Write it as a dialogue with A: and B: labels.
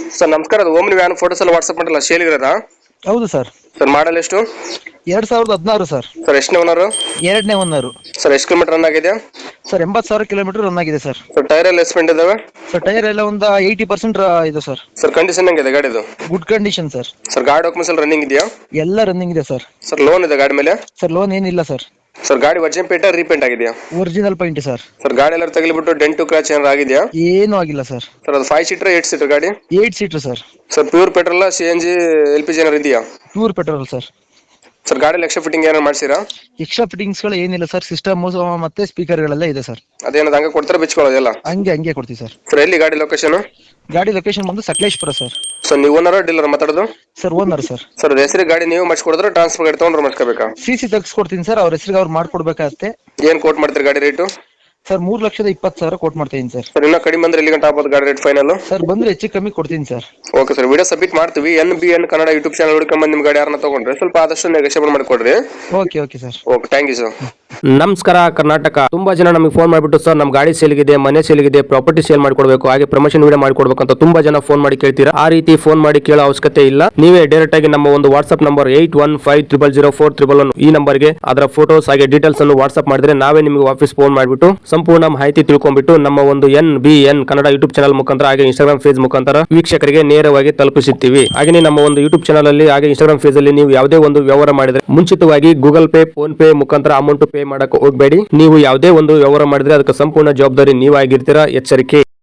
A: Sir ನಮಸ್ಕಾರ, ಅದು omni van photos ಎಲ್ಲ ವಾಟ್ಸಪ್ ಮಾಡಲ್ಲ ಸೇಲಿಗಿರೋದಾ?
B: ಹೌದು ಸರ್.
A: ಸರ್ ಮಾಡಲ್ ಎಷ್ಟು?
B: 2016 ಸರ್.
A: ಸರ್ ಎಷ್ಟನೇ ಓನರು?
B: ಎರಡನೇ ಓನರು.
A: ಸರ್ ಎಷ್ಟು ಕಿಲೋಮೀಟರ್ ರನ್ ಆಗಿದೆ?
B: ಸರ್ 80,000 ಕಿಲೋಮೀಟರ್ ರನ್ ಆಗಿದೆ ಸರ್.
A: ಸರ್ ಟೈರ್ ಎಲ್ಲ ಎಸ್ಪೆಂಡ್ ಇದಾವೆ?
B: ಸರ್ ಟೈರ್ ಎಲ್ಲ ಒಂದು 80% ಇದೆ ಸರ್.
A: ಸರ್ ಕಂಡೀಷನ್ ಹೆಂಗಿದೆ ಗಾಡಿದು?
B: Good condition sir.
A: ಸರ್ ಗಾಡಿ ಡಾಕ್ಯುಮೆಂಟ್ಸ್ ಎಲ್ಲ ರನ್ನಿಂಗ್ ಇದೆಯಾ?
B: ಎಲ್ಲ ರನ್ನಿಂಗ್ ಇದೆ ಸರ್.
A: ಸರ್ ಲೋನ್ ಇದೆ ಗಾಡಿ ಮೇಲೆ?
B: ಸರ್ ಲೋನ್ ಏನಿಲ್ಲ ಸರ್.
A: ಸರ್ ಗಾಡಿ ವರ್ಜಿನ್ ಪೇಂಟ್ ರೀಪೇಂಟ್ ಆಗಿದೆಯಾ?
B: Original paint sir.
A: ಸರ್ ಗಾಡಿ ಎಲ್ಲ ತಗಲಿಬಿಟ್ಟು ಡೆಂಟು ಕ್ರಾಚ್ ಏನಾರು ಆಗಿದೆಯಾ?
B: ಏನೂ ಆಗಿಲ್ಲ ಸರ್.
A: ಸರ್ ಅದು 5 ಸೀಟರ್ 8 ಸೀಟರ್ ಗಾಡಿ?
B: 8 seater sir.
A: Sir pure petrol CNG LPG ಏನಾರು ಇದೆಯಾ?
B: Pure petrol sir.
A: ಸರ್ ಗಾಡಿ ಎಕ್ಸ್ಟ್ರಾ ಫಿಟ್ಟಿಂಗ್ ಏನಾರು ಮಾಡಿಸಿರಾ?
B: ಎಕ್ಸ್ಟ್ರಾ ಫಿಟ್ಟಿಂಗ್ಸ್ ಗಳು ಏನಿಲ್ಲ ಸರ್. ಸಿಸ್ಟಮ್ ಮತ್ತೆ ಸ್ಪೀಕರ್ ಗಳೆಲ್ಲ ಇದೆ ಸರ್.
A: ಅದೇನದು ಹಂಗೆ ಕೊಡ್ತಾರೆ ಬಿಚ್ಕೊಳ್ಳೋದೆಲ್ಲ?
B: ಹಂಗೆ ಕೊಡ್ತೀವಿ ಸರ್.
A: ಸರ್ ಎಲ್ಲಿ ಗಾಡಿ ಲೊಕೇಶನ್?
B: ಗಾಡಿ ಲೊಕೇಶನ್ ಬಂದು ಸಕಲೇಶ್ಪುರ ಸರ್.
A: ಸರ್ ನೀವು ಓನರ್ ಡೀಲರ್ ಮಾತಾಡೋದು?
B: Sir owner sir.
A: ಸರ್ ಹೆಸರು ಗಾಡಿ ನೀವು ಮಾಡಿಸ್ಕೊಡಿದ್ರೆ ಟ್ರಾನ್ಸ್ಫರ್ ಗಾಡಿ ತೊಗೊಂಡ್ರೆ ಮಾಡಿಸ್ಕೋಬೇಕಾ?
B: CC ತೆಗ್ಸ್ಕೊಡ್ತೀನಿ sir. ಅವ್ರ ಹೆಸರಿಗೆ ಅವ್ರು ಮಾಡ್ಕೊಡ್ಬೇಕಾಗತ್ತೆ.
A: ಏನು ಕೋಟ್ ಮಾಡ್ತೀರಿ ಗಾಡಿ ರೇಟು?
B: ಸರ್ 3,20,000 ಕೋಟ್ ಮಾಡ್ತೀನಿ ಸರ್.
A: ಸರ್ ಇನ್ನೂ ಕಡಿಮೆ ಅಂದ್ರೆ ಎಲ್ಲಿ ಗಂಟೆ ಆಗ್ಬೋದು ಗಾಡಿ ರೇಟ್ ಫೈನಲ್?
B: ಸರ್ ಬಂದ್ರೆ ಹೆಚ್ಚು ಕಮ್ಮಿ ಕೊಡ್ತೀನಿ sir.
A: Okay sir, video submit ಮಾಡ್ತೀವಿ. NBN ಕನ್ನಡ ಯೂಟ್ಯೂಬ್ ಚಾನಲ್ ಹುಡ್ಕೊಂಬಂದು ನಿಮ್ಮ ಗಾಡಿ ಯಾರನ್ನ ತಗೊಂಡ್ರೆ ಸ್ವಲ್ಪ ಆದಷ್ಟು ನೆಗೋಷಿಯೇಟ್ ಮಾಡಿಕೊಡ್ರಿ.
B: Okay sir.
A: Okay, thank you sir.
C: ನಮಸ್ಕಾರ ಕರ್ನಾಟಕ. ತುಂಬಾ ಜನ ನಮಗೆ ಫೋನ್ ಮಾಡಿಬಿಟ್ಟು ಸರ್ ನಮ್ಮ ಗಾಡಿ ಸೇಲ್ಗಿದೆ, ಮನೆ ಸೇಲ್ಗಿದೆ, ಪ್ರಾಪರ್ಟಿ ಸೇಲ್ ಮಾಡ್ಕೊಡ್ಬೇಕು, ಹಾಗೆ ಪ್ರಮೋಷನ್ ವಿಡಿಯೋ ಮಾಡ್ಕೊಡ್ಬೇಕು ಅಂತ ತುಂಬಾ ಜನ ಫೋನ್ ಮಾಡಿ ಕೇಳ್ತೀರಾ. ಆ ರೀತಿ ಫೋನ್ ಮಾಡಿ ಕೇಳೋ ಅವಶ್ಯಕತೆ ಇಲ್ಲ. ನೀವೇ ಡೈರೆಕ್ಟ್ ಆಗಿ ನಮ್ಮ ಒಂದು ವಾಟ್ಸ್ಆಪ್ ನಂಬರ್ 81500411 ಈ ನಂಬರ್ಗೆ ಅದರ ಫೋಟೋಸ್ ಹಾಗೆ ಡೀಟೇಲ್ಸ್ ಅನ್ನು ವಾಟ್ಸ್ಆಪ್ ಮಾಡಿದ್ರೆ ನಾವೇ ನಿಮಗೆ ವಾಪಸ್ ಫೋನ್ ಮಾಡಿಬಿಟ್ಟು ಸಂಪೂರ್ಣ ಮಾಹಿತಿ ತಿಳ್ಕೊಂಡ್ಬಿಟ್ಟು ನಮ್ಮ ಒಂದು NBN ಕನ್ನಡ ಯೂಟ್ಯೂಬ್ ಚಾನಲ್ ಮುಖಾಂತರ ಹಾಗೆ ಇನ್ಸ್ಟಾಗ್ರಾಮ್ ಫೇಸ್ ಮುಖಾಂತರ ವೀಕ್ಷಕರಿಗೆ ನೇರವಾಗಿ ತಲುಪಿಸುತ್ತೀವಿ. ಹಾಗೆ ನಮ್ಮ ಒಂದು ಯೂಟ್ಯೂಬ್ ಚಾನಲ್ ಅಲ್ಲಿ ಹಾಗೆ ಇನ್ಸ್ಟಾಗ್ರಾಮ್ ಫೇಸ್ ಅಲ್ಲಿ ನೀವು ಯಾವುದೇ ಒಂದು ವ್ಯವಹಾರ ಮಾಡಿದ್ರೆ ಮುಂಚಿತವಾಗಿ ಗೂಗಲ್ ಪೇ, ಫೋನ್ ಪೇ ಮುಖಾಂತರ ಅಮೌಂಟ್ ಪೇ ಮಾಡಕ್ಕೆ ಹೋಗಬೇಡಿ. ನೀವು ಯಾವುದೇ ಒಂದು ವ್ಯವಹಾರ ಮಾಡಿದ್ರೆ ಅದಕ್ಕೆ ಸಂಪೂರ್ಣ ಜವಾಬ್ದಾರಿ ನೀವಾಗಿರ್ತೀರಾ. ಎಚ್ಚರಿಕೆ.